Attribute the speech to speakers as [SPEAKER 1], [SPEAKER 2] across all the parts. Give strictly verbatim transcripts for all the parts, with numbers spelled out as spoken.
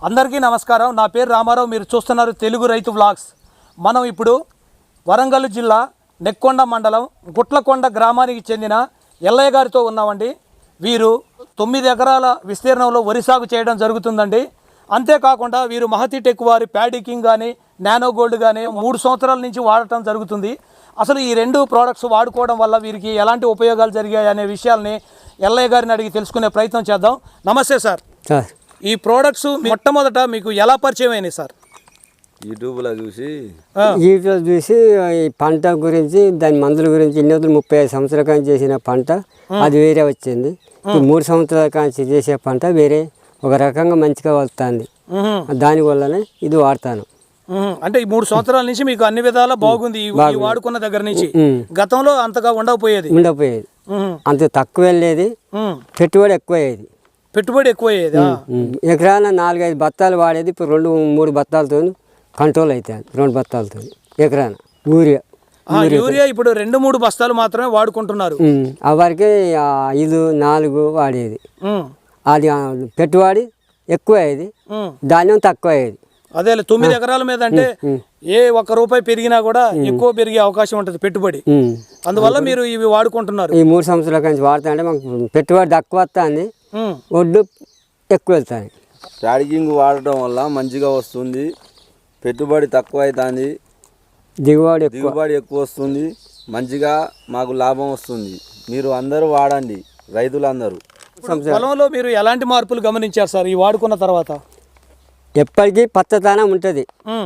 [SPEAKER 1] అందరికీ నమస్కారం. నా పేరు రామారావు. మీరు చూస్తున్నారు తెలుగు రైతు వ్లాగ్స్. మనం ఇప్పుడు వరంగల్ జిల్లా నెక్కొండ మండలం గుట్లకొండ గ్రామానికి చెందిన ఎల్లయ్య గారితో ఉన్నామండి. వీరు తొమ్మిది ఎకరాల విస్తీర్ణంలో వరి సాగు చేయడం జరుగుతుందండి. అంతేకాకుండా వీరు మహతి టెక్ వారి ప్యాడీ కింగ్ కానీ నానో గోల్డ్ కానీ మూడు సంవత్సరాల నుంచి వాడటం జరుగుతుంది. అసలు ఈ రెండు ప్రోడక్ట్స్ వాడుకోవడం వల్ల వీరికి ఎలాంటి ఉపయోగాలు జరిగాయి అనే విషయాల్ని ఎల్లయ్య గారిని అడిగి తెలుసుకునే ప్రయత్నం చేద్దాం. నమస్తే సార్. ఈ ప్రోడక్ట్స్ మొట్టమొదట మీకు ఎలా పరిచయం అయినాయి సార్?
[SPEAKER 2] యూట్యూబ్లో చూసి
[SPEAKER 3] యూట్యూబ్లో చూసి ఈ పంట గురించి దాని మందుల గురించి ఇన్ని రోజులు ముప్పై ఐదు సంవత్సరాల కాంచి చేసిన పంట అది వేరే వచ్చింది. ఇప్పుడు మూడు సంవత్సరాల కాంచి చేసే పంట వేరే ఒక రకంగా మంచిగా వస్తుంది. దానివల్లనే ఇది వాడతాను.
[SPEAKER 1] అంటే ఈ మూడు సంవత్సరాల నుంచి మీకు అన్ని విధాలా బాగుంది వాడుకున్న దగ్గర నుంచి. గతంలో అంతగా ఉండకపోయేది
[SPEAKER 3] ఉండకపోయేది అంత తక్కువ వెళ్ళేది, పెట్టుబడి ఎక్కువ అయ్యేది.
[SPEAKER 1] పెట్టుబడి ఎక్కువ అయ్యేది.
[SPEAKER 3] ఎకరాన నాలుగైదు బత్తాలు వాడేది ఇప్పుడు రెండు మూడు బత్తాలతో కంట్రోల్ అవుతాయి. రెండు బత్తాలతో ఎకరాన యూరియా
[SPEAKER 1] యూరియా ఇప్పుడు రెండు మూడు బస్తాలు మాత్రమే వాడుకుంటున్నారు.
[SPEAKER 3] ఆ వరకే ఐదు నాలుగు వాడేది. అది పెట్టుబడి ఎక్కువ అయ్యేది, ధాన్యం తక్కువ అయ్యేది.
[SPEAKER 1] అదే తొమ్మిది ఎకరాల మీద అంటే ఏ ఒక్క రూపాయి పెరిగినా కూడా ఎక్కువ పెరిగే అవకాశం ఉంటుంది పెట్టుబడి. అందువల్ల మీరు ఇవి వాడుకుంటున్నారు.
[SPEAKER 3] ఈ మూడు సంవత్సరాల నుంచి వాడుతా అంటే మాకు పెట్టుబడి తక్కువ వస్తుంది, ఒడ్డు ఎక్కువ వెళ్తాయి.
[SPEAKER 2] ప్యాడీ కింగ్ వాడటం వల్ల మంచిగా వస్తుంది, పెట్టుబడి తక్కువ అవుతుంది,
[SPEAKER 3] దిగుబడి
[SPEAKER 2] దిగుబడి ఎక్కువ వస్తుంది, మంచిగా మాకు లాభం వస్తుంది. మీరు అందరూ వాడండి, రైతులందరూ.
[SPEAKER 1] పొలంలో మీరు ఎలాంటి మార్పులు గమనించారు సార్ ఈ వాడుకున్న తర్వాత?
[SPEAKER 3] ఎప్పటికీ పచ్చదనం ఉంటుంది.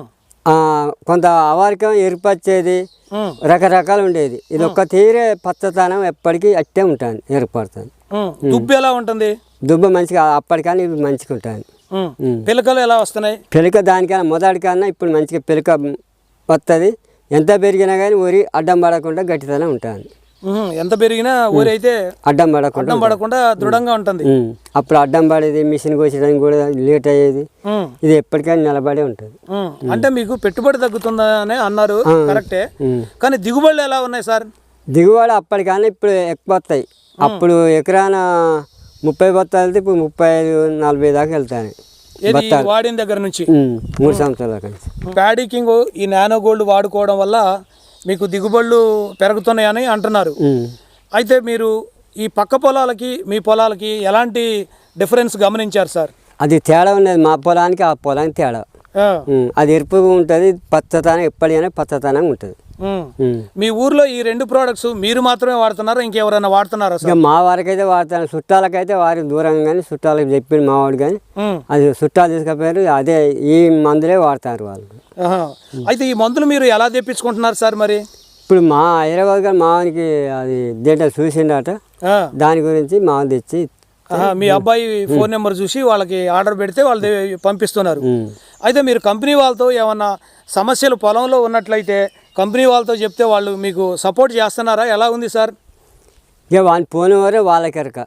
[SPEAKER 3] కొంత అవారికం ఎరుపచ్చేది, రకరకాలు ఉండేది. ఇది ఒక్క తీరే పచ్చదనం ఎప్పటికీ అట్టే ఉంటుంది, ఏర్పడుతుంది.
[SPEAKER 1] దుబ్బు ఎలా ఉంటుంది?
[SPEAKER 3] దుబ్బ మంచిగా అప్పటికన్నా ఇవి మంచిగా ఉంటుంది.
[SPEAKER 1] పిలకలు ఎలా వస్తున్నాయి?
[SPEAKER 3] పిలక దానికన్నా మొదటికన్నా ఇప్పుడు మంచిగా పిలక వస్తుంది. ఎంత పెరిగినా కానీ ఊరి అడ్డం పడకుండా గట్టితనం ఉంటుంది.
[SPEAKER 1] ఎంత పెరిగినా ఊరి అయితే
[SPEAKER 3] అడ్డం పడకుండా
[SPEAKER 1] అడ్డం పడకుండా దృఢంగా ఉంటుంది.
[SPEAKER 3] అప్పుడు అడ్డం పడేది, మిషన్ కోసడానికి కూడా లేట్ అయ్యేది. ఇది ఎప్పటికైనా నిలబడే ఉంటుంది.
[SPEAKER 1] అంటే మీకు పెట్టుబడి తగ్గుతుందని అన్నారు, కరెక్టే. కానీ దిగుబడులు ఎలా ఉన్నాయి సార్?
[SPEAKER 3] దిగుబడి అప్పటికన్నా ఇప్పుడు ఎక్కువ వస్తాయి. అప్పుడు ఎకరాన ముప్పై బత్తాలు వెళ్తే ఇప్పుడు ముప్పై ఐదు నలభై దాకా వెళ్తాయి
[SPEAKER 1] వాడిన దగ్గర నుంచి.
[SPEAKER 3] మూడు సంవత్సరాల నుంచి
[SPEAKER 1] ప్యాడీ కింగ్ ఈ నానో గోల్డ్ వాడుకోవడం వల్ల మీకు దిగుబడులు పెరుగుతున్నాయని అంటున్నారు. అయితే మీరు ఈ పక్క పొలాలకి మీ పొలాలకి ఎలాంటి డిఫరెన్స్ గమనించారు సార్?
[SPEAKER 3] అది తేడా ఉన్నది. మా పొలానికి ఆ పొలానికి తేడా. అది ఎరుపుగా ఉంటుంది, పచ్చతనం ఎప్పటికైనా పచ్చతనంగా ఉంటుంది.
[SPEAKER 1] మీ ఊర్లో ఈ రెండు ప్రోడక్ట్స్ మీరు మాత్రమే వాడుతున్నారా, ఇంకెవరైనా వాడుతున్నారా సార్?
[SPEAKER 3] మా వారికి అయితే వాడతాను, చుట్టాలకైతే వారి దూరంగా కానీ చుట్టాలకు చెప్పింది మా వాడు. కానీ అది చుట్టాలు తీసుకపోయారు, అదే ఈ మందులే వాడతారు వాళ్ళు.
[SPEAKER 1] అయితే ఈ మందులు మీరు ఎలా తెప్పించుకుంటున్నారు సార్? మరి
[SPEAKER 3] ఇప్పుడు మా హైదరాబాద్ గారు మావానికి అది దేంట్లో చూసిండట, దాని గురించి మా తెచ్చి
[SPEAKER 1] మీ అబ్బాయి ఫోన్ నెంబర్ చూసి వాళ్ళకి ఆర్డర్ పెడితే వాళ్ళు పంపిస్తున్నారు. అయితే మీరు కంపెనీ వాళ్ళతో ఏమన్నా సమస్యలు పొలంలో ఉన్నట్లయితే కంపెనీ వాళ్ళతో చెప్తే వాళ్ళు మీకు సపోర్ట్ చేస్తున్నారా? ఎలా ఉంది సార్?
[SPEAKER 3] ఇక వాళ్ళు పోని వారే వాళ్ళకెరక.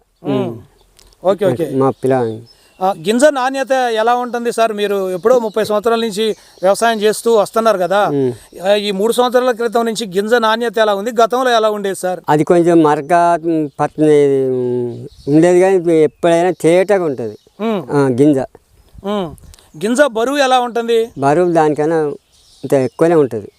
[SPEAKER 1] Okay okay.
[SPEAKER 3] మా పిల్ల
[SPEAKER 1] గింజ నాణ్యత ఎలా ఉంటుంది సార్? మీరు ఎప్పుడో ముప్పై సంవత్సరాల నుంచి వ్యవసాయం చేస్తూ వస్తున్నారు కదా, ఈ మూడు సంవత్సరాల క్రితం నుంచి గింజ నాణ్యత ఎలా ఉంది, గతంలో ఎలా ఉండేది సార్?
[SPEAKER 3] అది కొంచెం మరక పత్తి ఉండేది, కానీ ఎప్పుడైనా తేటగా ఉంటుంది గింజ.
[SPEAKER 1] గింజ బరువు ఎలా ఉంటుంది?
[SPEAKER 3] బరువు దానికన్నా ఇంత ఎక్కువనే ఉంటుంది.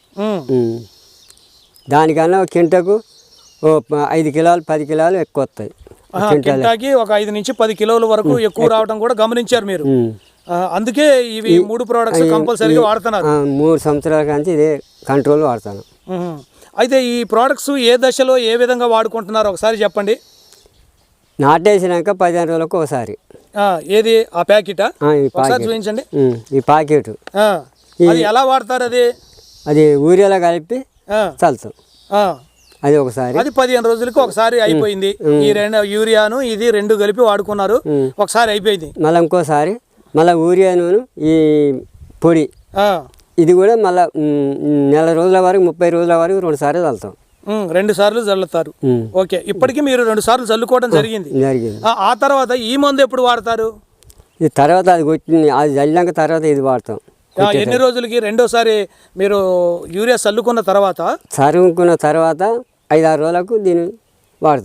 [SPEAKER 3] దానికన్నా కింటకు ఓ ఐదు కిలోలు పది కిలోలు ఎక్కువ వస్తాయి.
[SPEAKER 1] కింటాకి ఒక ఐదు నుంచి పది కిలోల వరకు ఎక్కువ రావడం కూడా గమనించారు మీరు. అందుకే ఇవి మూడు ప్రోడక్ట్స్ కంపల్సరీగా వాడుతున్నారు.
[SPEAKER 3] మూడు సంవత్సరాల నుంచి ఇదే కంట్రోల్ వాడతాను.
[SPEAKER 1] అయితే ఈ ప్రోడక్ట్స్ ఏ దశలో ఏ విధంగా వాడుకుంటున్నారు ఒకసారి చెప్పండి.
[SPEAKER 3] నాటేసినాక పదిహేను రోజులకు ఒకసారి.
[SPEAKER 1] ఏది ఆ ప్యాకెటా? ఒకసారి చూపించండి.
[SPEAKER 3] ఈ ప్యాకెట్
[SPEAKER 1] అది ఎలా వాడతారు? అది
[SPEAKER 3] అది ఊరియాలో కలిపి చల్లుతాం. అది ఒకసారి,
[SPEAKER 1] అది పదిహేను రోజులకి ఒకసారి అయిపోయింది. ఈ రెండు యూరియాను ఇది రెండు కలిపి వాడుకున్నారు, ఒకసారి అయిపోయింది.
[SPEAKER 3] మళ్ళీ ఇంకోసారి మళ్ళీ ఊరియాను ఈ పొడి ఇది కూడా మళ్ళీ నెల రోజుల వరకు ముప్పై రోజుల వరకు రెండు సార్లు చల్లుతాం.
[SPEAKER 1] రెండు సార్లు చల్లుతారు. ఓకే. ఇప్పటికీ మీరు రెండు సార్లు చల్లుకోవడం జరిగింది.
[SPEAKER 3] జరిగింది.
[SPEAKER 1] ఆ తర్వాత ఈ మందు ఎప్పుడు వాడతారు?
[SPEAKER 3] ఇది తర్వాత అది కొట్టి అది చల్లినాక తర్వాత ఇది వాడతాం.
[SPEAKER 1] ఎన్ని రోజులకి రెండోసారి మీరు యూరియా చల్లుకున్న తర్వాత?
[SPEAKER 3] చల్లుకున్న తర్వాత ఐదారు రోజులకు దీన్ని వాడతాం.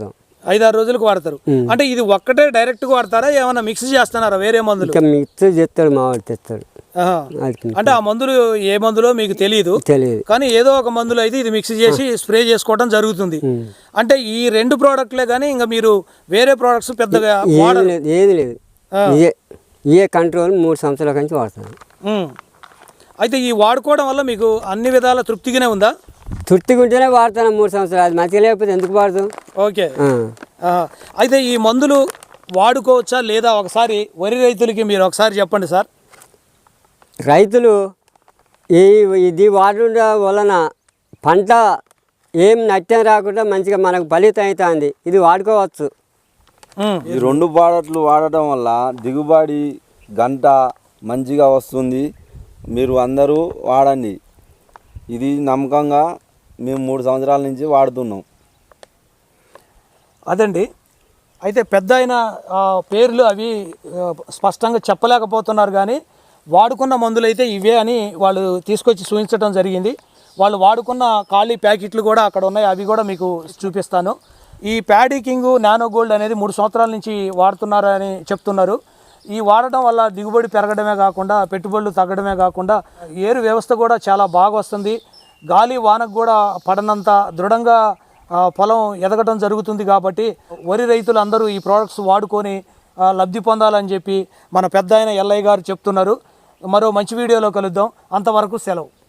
[SPEAKER 1] ఐదారు రోజులకు వాడతారు. అంటే ఇది ఒక్కటే డైరెక్ట్గా వాడతారా, ఏమైనా మిక్స్ చేస్తున్నారా వేరే మందులు?
[SPEAKER 3] ఇంకా మిక్స్ చేస్తాడు మావాడు తెస్తాడు.
[SPEAKER 1] ఆహా. అంటే ఆ మందులు ఏ మందులో మీకు తెలియదు,
[SPEAKER 3] తెలియదు
[SPEAKER 1] కానీ ఏదో ఒక మందులు అయితే ఇది మిక్స్ చేసి స్ప్రే చేసుకోవడం జరుగుతుంది. అంటే ఈ రెండు ప్రోడక్ట్లే కానీ ఇంకా మీరు వేరే ప్రోడక్ట్స్ పెద్దగా
[SPEAKER 3] ఏది
[SPEAKER 1] వాడరు.
[SPEAKER 3] లేదు ఏది లేదు ఇదే ఇదే కంట్రోల్ మూడు సంవత్సరాల నుంచి వాడుతాను.
[SPEAKER 1] ఉమ్. అయితే ఈ వాడుకోవడం వల్ల మీకు అన్ని విధాల తృప్తిగానే ఉందా?
[SPEAKER 3] తృప్తిగా ఉంటేనే వాడతాను మూడు సంవత్సరాలు, అది మంచిగా లేకపోతే ఎందుకు వాడతాం?
[SPEAKER 1] ఓకే. ఆహా. అయితే ఈ మందులు వాడుకోవచ్చా లేదా ఒకసారి వరి రైతులకి మీరు ఒకసారి చెప్పండి సార్.
[SPEAKER 3] రైతులు ఈ ఇది వాడడం వలన పంట ఏం నష్టం రాకుండా మంచిగా మనకు ఫలితం అవుతుంది. ఇది వాడుకోవచ్చు.
[SPEAKER 1] ఉమ్.
[SPEAKER 2] ఈ రెండు ప్రోడక్ట్లు వాడటం వల్ల దిగుబడి గంట మంచిగా వస్తుంది. మీరు అందరూ వాడండి. ఇది నమ్మకంగా మేము మూడు సంవత్సరాల నుంచి వాడుతున్నాం.
[SPEAKER 1] అదండి. అయితే పెద్ద అయిన పేర్లు అవి ఆ, స్పష్టంగా చెప్పలేకపోతున్నారు, కానీ వాడుకున్న మందులు అయితే ఇవే అని వాళ్ళు తీసుకొచ్చి చూపించడం జరిగింది. వాళ్ళు వాడుకున్న ఖాళీ ప్యాకెట్లు కూడా అక్కడ ఉన్నాయి, అవి కూడా మీకు చూపిస్తాను. ఈ ప్యాడీ కింగ్ నానో గోల్డ్ అనేది మూడు సంవత్సరాల నుంచి వాడుతున్నారు అని చెప్తున్నారు. ఈ వాడటం వల్ల దిగుబడి పెరగడమే కాకుండా పెట్టుబడులు తగ్గడమే కాకుండా ఏరు వ్యవస్థ కూడా చాలా బాగా వస్తుంది. గాలి వానకు కూడా పడనంత దృఢంగా ఆ, పొలం ఎదగడం జరుగుతుంది. కాబట్టి వరి రైతులు అందరూ ఈ ప్రోడక్ట్స్ వాడుకొని ఆ, లబ్ధి పొందాలని చెప్పి మన పెద్ద ఆయన ఎల్లయ్య గారు చెప్తున్నారు. మరో మంచి వీడియోలో కలుద్దాం. అంతవరకు సెలవు.